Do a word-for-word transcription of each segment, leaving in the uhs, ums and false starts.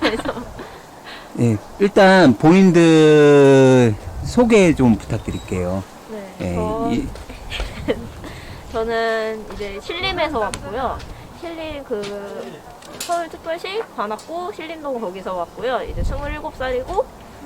그래서 예, 일단 본인들 소개 좀 부탁드릴게요. 네, 예, 저, 이, 저는 이제 신림에서 왔고요. 신림 그 서울특별시 관악구 신림동 거기서 왔고요. 이제 스물일곱 살이고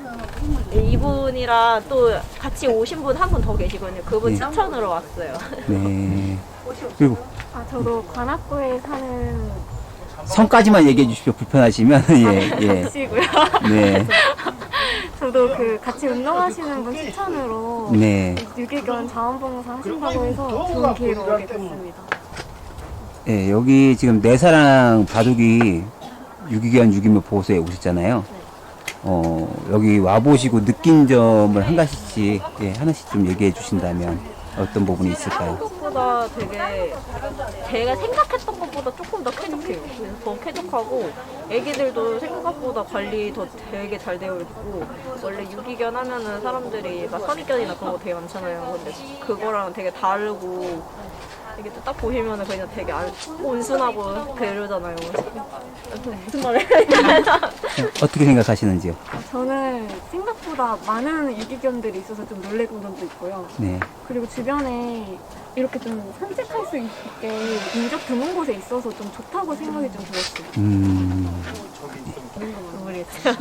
이분이랑 또 같이 오신 분 한 분 더 계시거든요. 그분 네. 추천으로 왔어요. 네. 그리고 아, 저도 관악구에 사는 성까지만 얘기해 주십시오. 불편하시면. 예, 예. 씨고요. 네. 저도 그 같이 운동하시는 분 추천으로 네. 유기견 자원봉사 하신다고 해서 좋은 기회로 오게 됐습니다. 예, 여기 지금 내사랑 바둑이 유기견 유기묘 보호소에 오셨잖아요. 어, 여기 와보시고 느낀 점을 한 가지씩, 예, 하나씩 좀 얘기해 주신다면 어떤 부분이 있을까요? 생각보다 되게 제가 생각했던 것보다 조금 더 쾌적해요. 그래서 더 쾌적하고 애기들도 생각보다 관리 더 되게 잘 되어 있고 원래 유기견 하면은 사람들이 막 선입견이나 그런 거 되게 많잖아요. 근데 그거랑 되게 다르고 이게 또 딱 보시면은 그냥 되게 안- 온순하고 그러잖아요. 무슨 말을 어떻게 생각하시는지요? 저는 생각보다 많은 유기견들이 있어서 좀 놀래는 점도 있고요. 네. 그리고 주변에 이렇게 좀 산책할 수 있게 인적 드문 곳에 있어서 좀 좋다고 생각이 좀 들었어요. 음, 모르겠어요.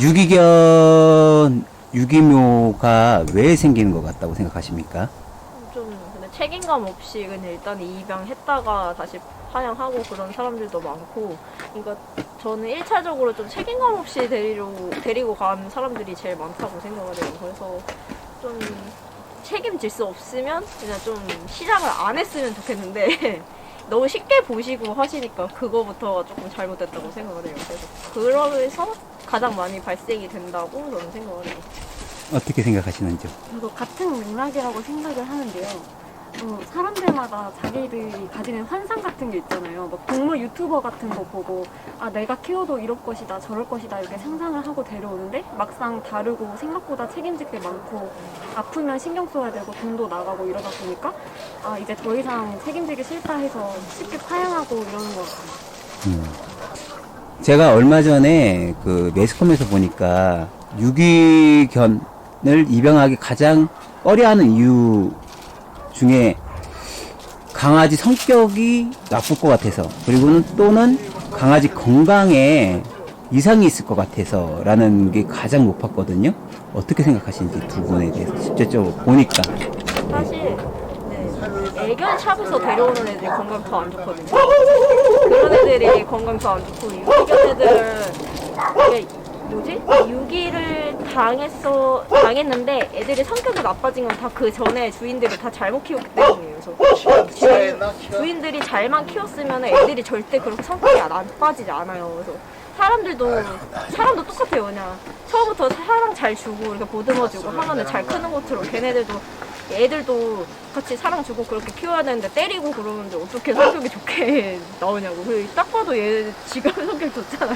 유기견, 유기묘가 왜 생기는 것 같다고 생각하십니까? 좀 근데 책임감 없이 그냥 일단 입양했다가 다시 파양하고 그런 사람들도 많고 그러니까 저는 일 차적으로 좀 책임감 없이 데리고, 데리고 간 사람들이 제일 많다고 생각을 해요. 그래서 좀 책임질 수 없으면 그냥 좀 시작을 안 했으면 좋겠는데 너무 쉽게 보시고 하시니까 그거부터가 조금 잘못됐다고 생각을 해요. 그래서 그러면서 가장 많이 발생이 된다고 저는 생각을 해요. 어떻게 생각하시는지요? 저도 같은 맥락이라고 생각을 하는데요. 어, 사람들마다 자기들이 가지는 환상 같은 게 있잖아요. 막 동물 유튜버 같은 거 보고 아 내가 키워도 이럴 것이다 저럴 것이다 이렇게 상상을 하고 데려오는데 막상 다르고 생각보다 책임질 게 많고 아프면 신경 써야 되고 돈도 나가고 이러다 보니까 아 이제 더 이상 책임지기 싫다 해서 쉽게 파양하고 이러는 것 같아요. 음. 제가 얼마 전에 그 매스컴에서 보니까 유기견을 입양하기 가장 꺼려하는 이유 중에 강아지 성격이 나쁠 것 같아서 그리고는 또는 강아지 건강에 이상이 있을 것 같아서 라는 게 가장 높았거든요. 어떻게 생각하시는지 두 분에 대해서 직접적으로 보니까. 사실 네, 애견 샵에서 데려오는 애들이 건강 더 안 좋거든요. 그런 애들이 건강 더 안 좋고 유기견 애들 이게 뭐지? 유기를 당했어 당했는데 애들이 성격이 나빠진 건 다 그 전에 주인들이 다 잘못 키웠기 때문이에요. 그래서 주, 주인들이 잘만 키웠으면 애들이 절대 그렇게 성격이 나빠지지 않아요. 그래서 사람들도 사람도 똑같아요. 그냥 처음부터 사랑 잘 주고 이렇게 보듬어주고 하면은 잘 크는 것처럼 걔네들도 애들도 같이 사랑 주고 그렇게 키워야 되는데 때리고 그러는데 어떻게 성격이 좋게 나오냐고. 그리고 딱 봐도 얘 지금 성격 좋잖아요.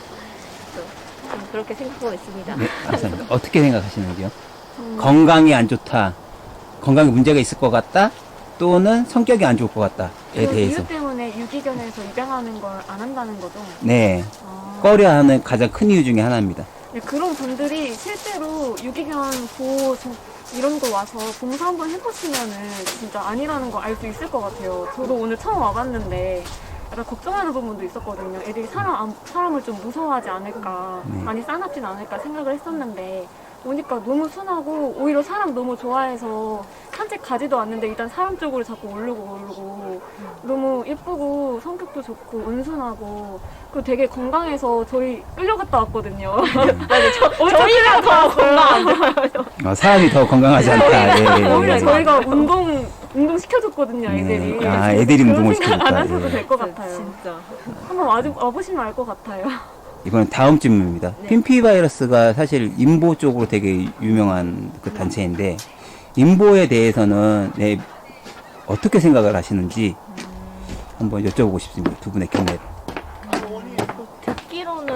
좀 그렇게 생각하고 있습니다. 네, 감사합니다. 어떻게 생각하시는지요? 건강이 안 좋다, 건강에 문제가 있을 것 같다, 또는 성격이 안 좋을 것 같다에 그 대해서. 이유 때문에 유기견에서 입양하는 걸 안 한다는 거죠. 네, 아. 꺼려하는 가장 큰 이유 중에 하나입니다. 네, 그런 분들이 실제로 유기견 보호 저- 이런 거 와서 봉사 한번 해보시면은 진짜 아니라는 거 알 수 있을 것 같아요. 저도 오늘 처음 와봤는데 약간 걱정하는 부분도 있었거든요. 애들이 사람, 안- 사람을 좀 무서워하지 않을까, 네. 많이 싸납진 않을까 생각을 했었는데 오니까 너무 순하고 오히려 사람 너무 좋아해서 산책 가지도 않는데 일단 사람 쪽으로 자꾸 오르고 오르고 너무 예쁘고 성격도 좋고 온순하고 그리고 되게 건강해서 저희 끌려갔다 왔거든요. 저희가 더 건강. 어, 사람이 더 건강하지 않다. 예, 예, 오히려 예. 저희가 운동 운동 시켜줬거든요, 애들이. 네. 아, 애들이 운동을 그런 생각 안 시켜줬다. 하셔도 예. 될 것 같아요. 진짜. 한번 와, 와보시면 알 것 같아요. 이번엔 다음 질문입니다. 네. 핀피 바이러스가 사실 인보 쪽으로 되게 유명한 그 단체인데 인보에 대해서는 네, 어떻게 생각을 하시는지 한번 여쭤보고 싶습니다. 두 분의 경례를. 듣기로는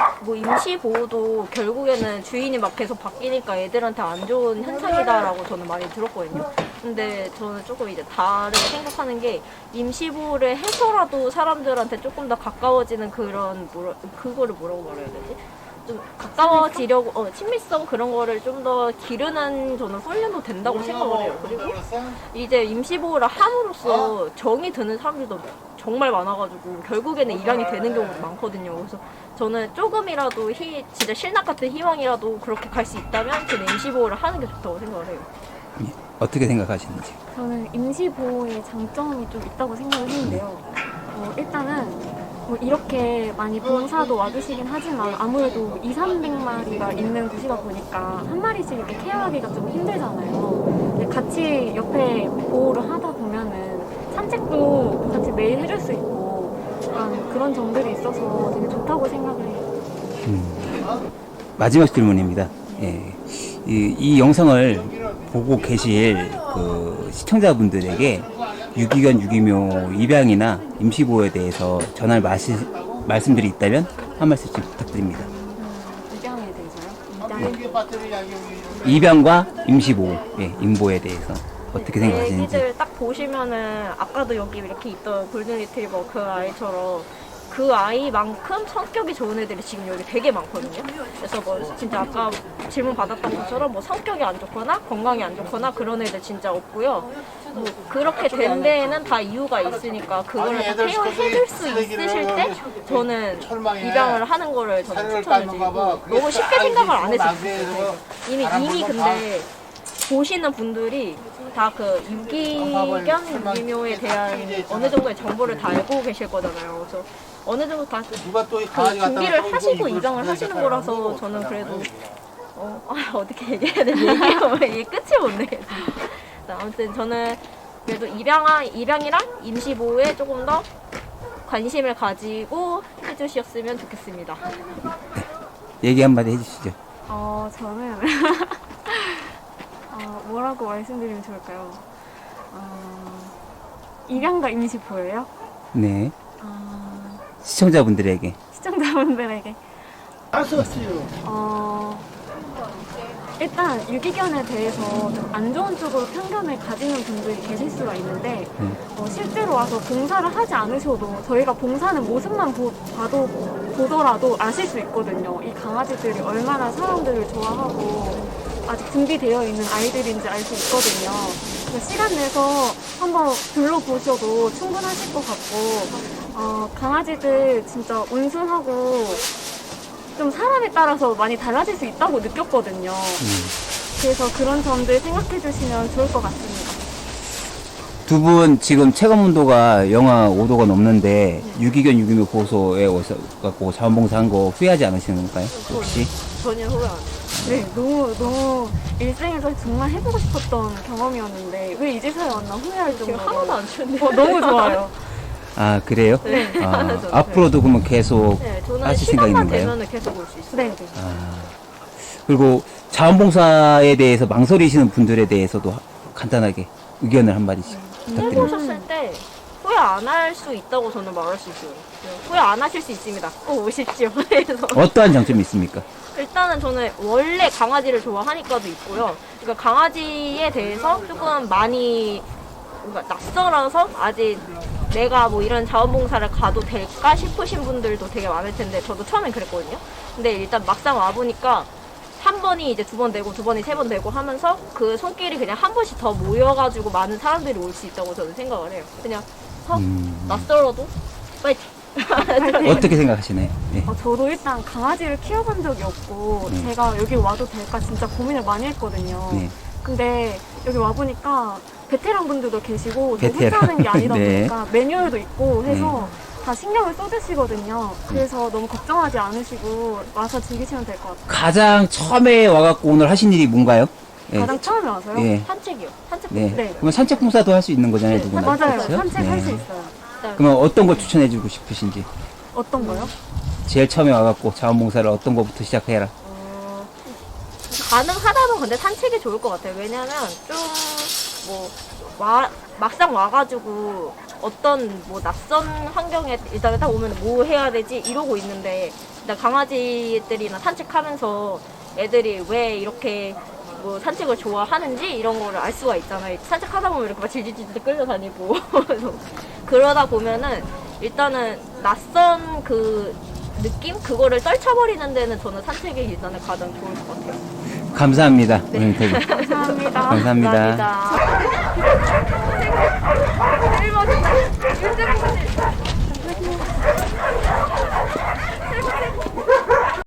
뭐 임시보호도 결국에는 주인이 막 계속 바뀌니까 애들한테 안 좋은 현상이다라고 저는 많이 들었거든요. 근데 저는 조금 이제 다르게 생각하는 게 임시보호를 해서라도 사람들한테 조금 더 가까워지는 그런 뭐라, 그거를 뭐라고 말해야 되지? 좀 가까워지려고 어, 친밀성 그런 거를 좀 더 기르는 저는 훈련도 된다고 생각을 해요. 그리고 이제 임시보호를 함으로써 정이 드는 사람들도 정말 많아가지고 결국에는 입양이 되는 경우도 많거든요. 그래서 저는 조금이라도 희, 진짜 신락 같은 희망이라도 그렇게 갈 수 있다면 저는 임시보호를 하는 게 좋다고 생각을 해요. 예, 어떻게 생각하시는지. 저는 임시보호의 장점이 좀 있다고 생각을 했는데요. 어, 일단은 뭐 이렇게 많이 봉사도 와주시긴 하지만 아무래도 이삼백 마리가 있는 곳이다 보니까 한 마리씩 이렇게 케어하기가 좀 힘들잖아요. 근데 같이 옆에 보호를 하다 보면은 산책도 같이 매일 해줄 수 있고 약간 그런 점들이 있어서 되게 좋다고 생각을 해요. 음. 마지막 질문입니다. 예. 이, 이 영상을 보고 계실 그 시청자분들에게 유기견, 유기묘 입양이나 임시보호에 대해서 전할 마시, 말씀들이 있다면 한 말씀 좀 부탁드립니다. 음, 입양에 대해서요? 입양. 입양과 임시보호, 예, 임보에 대해서 어떻게 생각하시는지. 애기들 딱 보시면은 아까도 여기 이렇게 있던 골든 리트리버 그 아이처럼 그 아이만큼 성격이 좋은 애들이 지금 여기 되게 많거든요. 그래서 뭐 진짜 아까 질문 받았던 것처럼 뭐 성격이 안 좋거나 건강이 안 좋거나 그런 애들 진짜 없고요. 뭐 그렇게 된 데에는 다 이유가 있으니까 그거를 다 케어해줄 수 있으실 때 저는 입양을 하는 거를 저는 추천해드리고 너무 쉽게 생각을 안 했으면 좋겠어요. 이미 이미 근데 보시는 분들이 다 그 유기견, 유기묘에 대한 어느 정도의 정보를 다 알고 계실 거잖아요. 그래서 어느 정도 다 그 준비를 하시고 입양을 하시는 거라서 저는 그래도 어, 아, 어떻게 얘기해야 되지? 얘기하면 이게 끝이 못 내겠어. 아무튼 저는 그래도 입양, 입양이랑 임시보호에 조금 더 관심을 가지고 해주셨으면 좋겠습니다. 얘기 한마디 해주시죠. 어, 저는 어, 뭐라고 말씀드리면 좋을까요? 어, 입양과 임시보호예요? 네. 어, 시청자분들에게. 시청자분들에게 어, 일단 유기견에 대해서 좀 안 좋은 쪽으로 편견을 가지는 분들이 계실 수가 있는데 음. 어, 실제로 와서 봉사를 하지 않으셔도 저희가 봉사하는 모습만 보, 봐도 보더라도 아실 수 있거든요. 이 강아지들이 얼마나 사람들을 좋아하고 아직 준비되어 있는 아이들인지 알 수 있거든요. 그래서 시간 내서 한번 둘러보셔도 충분하실 것 같고 어, 강아지들 진짜 온순하고 좀 사람에 따라서 많이 달라질 수 있다고 느꼈거든요. 음. 그래서 그런 점들 생각해 주시면 좋을 것 같습니다. 두 분 지금 체감 온도가 영하 오 도가 넘는데 유기견, 유기묘 보호소에 오셔 갖고 자원봉사한 거 후회하지 않으시는 건가요? 혹시? 전혀 후회 안 해요. 네, 너무 너무 일생에서 정말 해보고 싶었던 경험이었는데 왜 이 집사에 왔나 후회할 지금 정도로 하나도 안 추운데. 어, 너무 좋아요. 아, 그래요? 네. 아, 하나도 안 앞으로도 그러면 계속 네, 저는 하실 생각 시간만 있는가요? 되면 계속 올 수 있어요. 네, 네. 아, 그리고 자원봉사에 대해서 망설이시는 분들에 대해서도 간단하게 의견을 한마디씩 부탁드립니다. 해보셨을 때 후회 안 할 수 있다고 저는 말할 수 있어요. 후회 안 하실 수 있습니다. 꼭 오십시오. 그래서 어떠한 장점이 있습니까? 일단은 저는 원래 강아지를 좋아하니까도 있고요. 그러니까 강아지에 대해서 조금 많이 뭔가 낯설어서 아직 내가 뭐 이런 자원봉사를 가도 될까 싶으신 분들도 되게 많을 텐데 저도 처음엔 그랬거든요. 근데 일단 막상 와보니까 한 번이 이제 두 번 되고 두 번이 세 번 되고 하면서 그 손길이 그냥 한 번씩 더 모여가지고 많은 사람들이 올 수 있다고 저는 생각을 해요. 그냥 서 음, 낯설어도 파이팅! 어떻게 생각하시나요? 네. 어, 저도 일단 강아지를 키워본 적이 없고 네. 제가 여기 와도 될까 진짜 고민을 많이 했거든요. 네. 근데 여기 와보니까 베테랑 분들도 계시고 저 베테랑. 혼자 하는 게 아니다 네. 보니까 매뉴얼도 있고 해서 다 신경을 써주시거든요. 네. 그래서 너무 걱정하지 않으시고 와서 즐기시면 될 것 같아요. 가장 처음에 와갖고 오늘 하신 일이 뭔가요? 네. 가장 처음에 와서요? 예. 산책이요. 산책. 네. 네. 그러면 산책 봉사도 할 수 있는 거잖아요, 네, 누구나. 맞아요. 그렇죠? 산책할 네. 수 있어요. 그러면 어떤 거 추천해주고 싶으신지. 어떤 거요? 제일 처음에 와갖고 자원봉사를 어떤 거부터 시작해라. 어, 가능하다면 근데 산책이 좋을 것 같아요. 왜냐면 좀 뭐 와 막상 와가지고 어떤 뭐 낯선 환경에 일단은 딱 오면 뭐 해야 되지 이러고 있는데 일단 강아지들이나 산책하면서 애들이 왜 이렇게 뭐 산책을 좋아하는지 이런 거를 알 수가 있잖아요. 산책하다 보면 이렇게 막 질질질질 끌려다니고 그래서 그러다 보면은 일단은 낯선 그 느낌 그거를 떨쳐버리는 데는 저는 산책이 일단은 가장 좋을 것 같아요. 감사합니다. 오늘 되게 감사합니다. 감사합니다. 감사합니다.